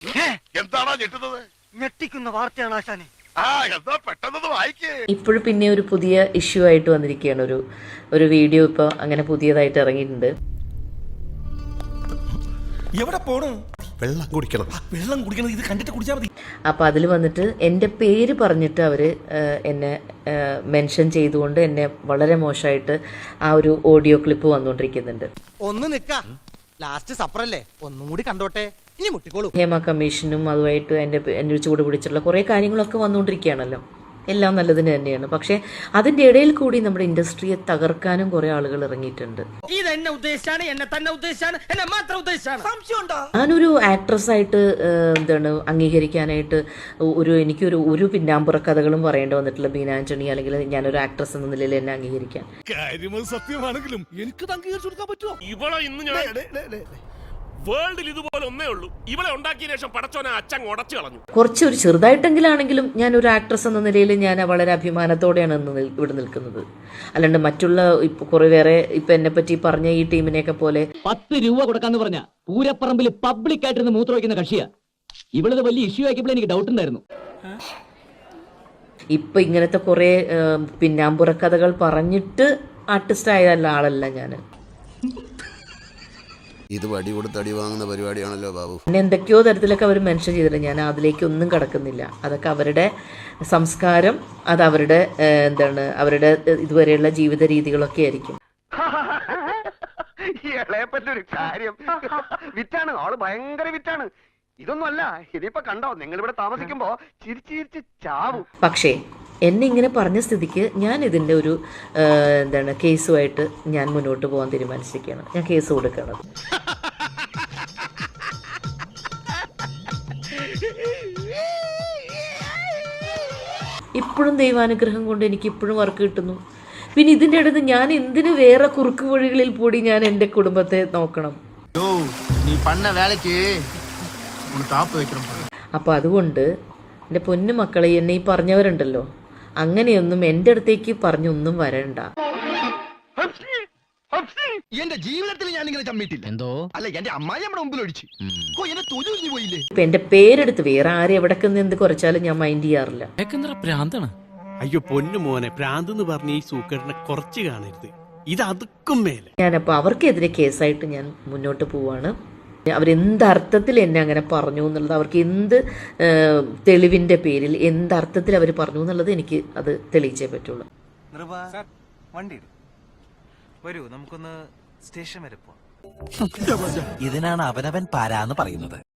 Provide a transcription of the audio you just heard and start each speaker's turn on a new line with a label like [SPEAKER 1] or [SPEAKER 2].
[SPEAKER 1] എന്താണോ ഞെട്ടുന്നത്?
[SPEAKER 2] ഞെട്ടിക്കുന്ന വാർത്തയാണ് ആശാനെ.
[SPEAKER 1] എന്താ പെട്ടെന്ന് വായിക്കേ.
[SPEAKER 3] ഇപ്പോഴും പിന്നെ ഒരു പുതിയ ഇഷ്യൂ ആയിട്ട് വന്നിരിക്കുകയാണ്. ഒരു വീഡിയോ ഇപ്പോൾ അങ്ങനെ പുതിയതായിട്ട് ഇറങ്ങിയിട്ടുണ്ട്.
[SPEAKER 4] എവിടെ പോണു?
[SPEAKER 1] വെള്ളം കുടിക്കണം.
[SPEAKER 4] വെള്ളം കുടിക്കണം. ഇത് കണ്ടിട്ട് കുടിച്ചാൽ മതി.
[SPEAKER 3] അപ്പോൾ അതിൽ വന്നിട്ട് എൻ്റെ പേര് പറഞ്ഞിട്ട് അവർ എന്നെ മെൻഷൻ ചെയ്തുകൊണ്ട് എന്നെ വളരെ മോശമായിട്ട് ആ ഒരു ഓഡിയോ ക്ലിപ്പ് വന്നുകൊണ്ടിരിക്കുന്നുണ്ട്.
[SPEAKER 2] ഒന്ന് നിക്ക, ലാസ്റ്റ് സപ്പറല്ലേ, ഒന്നും കൂടി കണ്ടോട്ടെ, ഇനി മുട്ടിക്കോളൂ.
[SPEAKER 3] ഹേമ കമ്മീഷനും അതുമായിട്ട് എൻ്റെ ചൂട് പിടിച്ചിട്ടുള്ള കുറേ കാര്യങ്ങളൊക്കെ വന്നുകൊണ്ടിരിക്കുകയാണല്ലോ. എല്ലാം നല്ലതിന് തന്നെയാണ്. പക്ഷേ അതിൻ്റെ ഇടയിൽ കൂടി നമ്മുടെ ഇൻഡസ്ട്രിയെ തകർക്കാനും കുറേ ആളുകൾ ഇറങ്ങിയിട്ടുണ്ട്. ഞാനൊരു ആക്ട്രസ്സായിട്ട് അംഗീകരിക്കാനായിട്ട് എനിക്കൊരു പിന്നാമ്പുറ കഥകളും പറയേണ്ടി വന്നിട്ടില്ല. ബീന ആന്റണി അല്ലെങ്കിൽ ഞാനൊരു ആക്ട്രസ് എന്ന നിലയിൽ എന്നെ അംഗീകരിക്കാൻ.
[SPEAKER 4] സത്യമാണെങ്കിലും എനിക്ക് അംഗീകരിച്ചു കൊടുക്കാൻ പറ്റുമോ?
[SPEAKER 5] ഇവളെ ഇന്ന് ഞാൻ വേൾഡിൽ ഇതുപോലെ ഒന്നേ ഉള്ളൂ. ഇവളെ ഉണ്ടാക്കിയ ശേഷം പടച്ചോനെ അച്ഛൻ ഉടച്ചു കളഞ്ഞു.
[SPEAKER 3] കുറച്ചൊരു ചെറുതായിട്ടെങ്കിലാണെങ്കിലും ഞാനൊരു ആക്ട്രസ് എന്ന നിലയിൽ ഞാൻ വളരെ അഭിമാനത്തോടെയാണ് ഇവിടെ നിൽക്കുന്നത്. അല്ലാണ്ട് മറ്റുള്ള ഇപ്പൊ കുറെ വേറെ ഇപ്പൊ എന്നെ പറ്റി പറഞ്ഞ ഈ ടീമിനെയൊക്കെ പോലെ
[SPEAKER 6] 10 രൂപ കൊടുക്കാന്ന് പറഞ്ഞ പൂരപ്പറമ്പിൽ പബ്ലിക് ആയിട്ടിരുന്ന് മൂത്ര വയ്ക്കുന്ന കക്ഷിയാ. ഇവളത് വലിയ ഇഷ്യൂ ആക്കിയപ്പോൾ എനിക്ക് ഡൗട്ട് ഉണ്ടായിരുന്നു.
[SPEAKER 3] ഇപ്പൊ ഇങ്ങനത്തെ കുറെ പിന്നാമ്പുറ കഥകൾ പറഞ്ഞിട്ട് ആർട്ടിസ്റ്റ് ആയതല്ല ആളല്ല ഞാൻ.
[SPEAKER 1] ഇത് വടി കൊടുത്ത് അടി വാങ്ങുന്ന പരിപാടിയാണല്ലോ ബാബു.
[SPEAKER 3] പിന്നെ എന്തൊക്കെയോ തരത്തിലൊക്കെ അവർ മെൻഷൻ ചെയ്തിട്ടുണ്ട്. ഞാൻ അതിലേക്കൊന്നും കടക്കുന്നില്ല. അതൊക്കെ അവരുടെ സംസ്കാരം, അത് അവരുടെ അവരുടെ ഇതുവരെയുള്ള ജീവിത രീതികളൊക്കെ ആയിരിക്കും.
[SPEAKER 2] ഇളയപ്പറ്റൊരു കാര്യം വിറ്റാണ്, ആള് ഭയങ്കര വിറ്റാണ്. ഇതൊന്നും അല്ല, ഇതിപ്പോ കണ്ടോ, നിങ്ങൾ ഇവിടെ താമസിക്കുമ്പോ ചിരിച്ച് ചാവും.
[SPEAKER 3] പക്ഷേ എന്നെ ഇങ്ങനെ പറഞ്ഞ സ്ഥിതിക്ക് ഞാൻ ഇതിൻ്റെ ഒരു കേസുമായിട്ട് ഞാൻ മുന്നോട്ട് പോകാൻ തീരുമാനിച്ചിരിക്കുകയാണ്. ഞാൻ കേസ് കൊടുക്കണം. ഇപ്പോഴും ദൈവാനുഗ്രഹം കൊണ്ട് എനിക്ക് ഇപ്പോഴും വർക്ക് കിട്ടുന്നു. പിന്നെ ഇതിൻ്റെ അടുത്ത് ഞാൻ എന്തിന് വേറെ കുറുക്ക് വഴികളിൽ കൂടി ഞാൻ എൻ്റെ കുടുംബത്തെ നോക്കണം? അപ്പോൾ അതുകൊണ്ട് എൻ്റെ പൊന്നു മക്കളെ, എന്നെ ഈ പറഞ്ഞവരുണ്ടല്ലോ, അങ്ങനെയൊന്നും എൻ്റെ അടുത്തേക്ക് പറഞ്ഞൊന്നും വരണ്ട.
[SPEAKER 4] എന്റെ ജീവിതത്തിൽ ഞാൻ ഇങ്ങനെ ചമ്മിട്ടില്ല. എന്തോ അല്ല, എന്റെ അമ്മായി നമ്മുടെ മുമ്പിൽ ഒഴിച്ചു എന്നെ തൊഴിൽ പോയില്ലേ.
[SPEAKER 3] ഇപ്പൊ എന്റെ പേരെടുത്ത് വേറെ ആരും എവിടേക്കെന്ന് എന്ത് കുറച്ചാലും ഞാൻ മൈൻഡ് ചെയ്യാറില്ല.
[SPEAKER 7] പ്രാന്താണ്. അയ്യോ പൊന്നു മോനെ, പ്രാന്ത് എന്ന് പറഞ്ഞ ഈ സൂക്കറിനെ കുറച്ച് കാണരുത്. ഇത് അതുക്കും മേലെ.
[SPEAKER 3] ഞാനപ്പോൾ അവർക്കെതിരെ കേസായിട്ട് ഞാൻ മുന്നോട്ട് പോവാണ്. അവരെന്തർത്ഥത്തിൽ എന്നെ അങ്ങനെ പറഞ്ഞു എന്നുള്ളത്, അവർക്ക് എന്ത് തെളിവിൻ്റെ പേരിൽ എന്തർത്ഥത്തിൽ അവർ പറഞ്ഞു എന്നുള്ളത് എനിക്ക് അത് തെളിയിച്ചേ പറ്റുള്ളൂ.
[SPEAKER 2] വണ്ടി വരൂ, നമുക്കൊന്ന് സ്റ്റേഷൻ വരെ പോവാം.
[SPEAKER 8] ഇതിനാണ് അവനവൻ പാരാന്ന് പറയുന്നത്.